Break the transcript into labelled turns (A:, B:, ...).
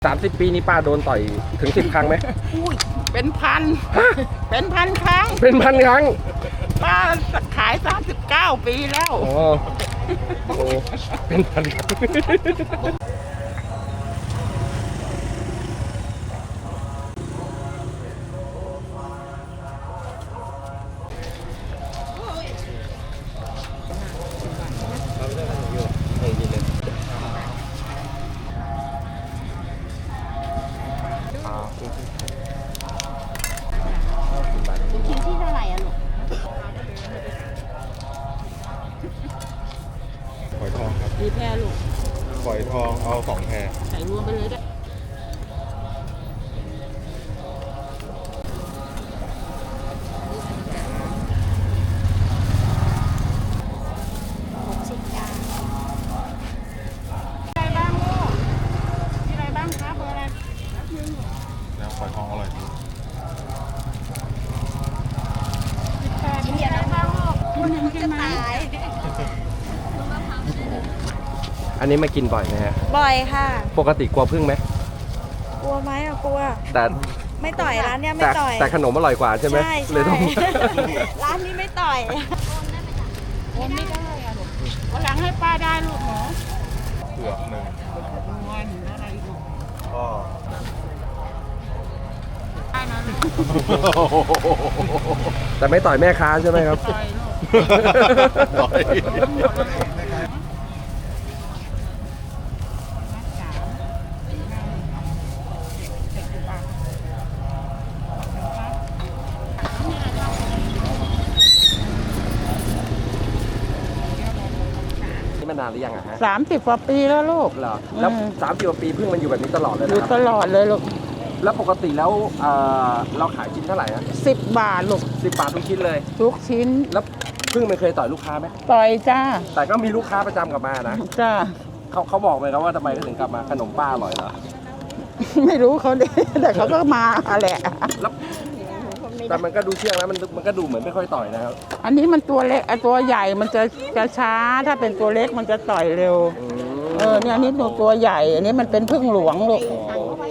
A: 30 ปีนี้ป้าโดนต่อยถึง10 ครั้งไหม
B: อุ้ยเป็นพันเป็นพันครั้ง
A: เป็นพันครั้ง
B: ป้าขาย39 ปีแล้ว
A: โอ้โหเป็นพันครั้ง
C: ลูกชิ้นที่เท่าไหร่อะลูก
D: ฝอยทองครับ
B: มีแพรลูก
D: ฝอยทองเอา2 แพร
B: ใส่รวมไปเลยได้
C: 60 จาน
B: อะไรบ้างลูกมีอะไรบ้างครับเบอร์อะไร
D: แล้วฝอยทองอร่อยที่
B: แพรมีอะไรบ้างลูกคุณหนึ่งใช่ไหม
A: อันนี้มากินบ่อยไหมฮะ
C: บ่อยค่ะ
A: ปกติกลัวพึ่งไหม
C: กลัวไหมอะกลัว
A: แต่
C: ไม่ต่อยร้านเนี้ยไม่
A: แต่
C: ต่อย
A: แต่ขนมอร่อยกว่าใช่ไหม
C: ใช่
A: เลยต้อง
C: ร้านนี้ไม่ต่อย
B: โอนไม่ได้อะลูกวันหลังให้ป้าได้ลูกหนู
D: เผือก1
B: เงินอะไรลูก
D: ก็
B: ได้นะลูก
A: แต่ไม่ต่อยแม่ค้าใช่ไหมครับ
B: ต่อยลูก
D: ต่อย
A: นี่มานานหรือยังอะฮะ
B: 30 กว่าปีแล้วลูก
A: เหรอแล้ว
B: อืม
A: 30 กว่าปีพึ่งมันอยู่แบบนี้ตลอดเลย
B: อ
A: นะ
B: ยู่
A: ค
B: ต
A: รับ
B: ลอดเลยลูก
A: แล้วปกติแล้วเราขายชิ้นเท่าไหร่ฮะ
B: 10 บาทลูก
A: 10 บาททุกชิ้นเลย
B: ทุกชิ้น
A: แล้วพึ่งมันเคยต่อยลูกค้าไหม
B: ต่อยจ้า
A: แต่ก็มีลูกค้าประจำกลับมานะ
B: จ้า
A: เขาบอกไหมครับว่าทำไมเขาถึงกลับมาขนมป้าอร่อยเหรอ
B: ไม่รู้เขาดิ แต่เขาก็มาแหละ
A: แล้วแต่มันก็ดูเชื่องนะมันก็ดูเหมือนไม่ค่อยต่อยนะครับ
B: อันนี้มันตัวเล็กตัวใหญ่มันจะช้า ถ้าเป็นตัวเล็กมันจะต่อยเร็ว
A: อืม
B: เนี่ยอันนี้ตัวใหญ่ อันนี้มันเป็นพึ่งหลวงลูก
A: อ๋อ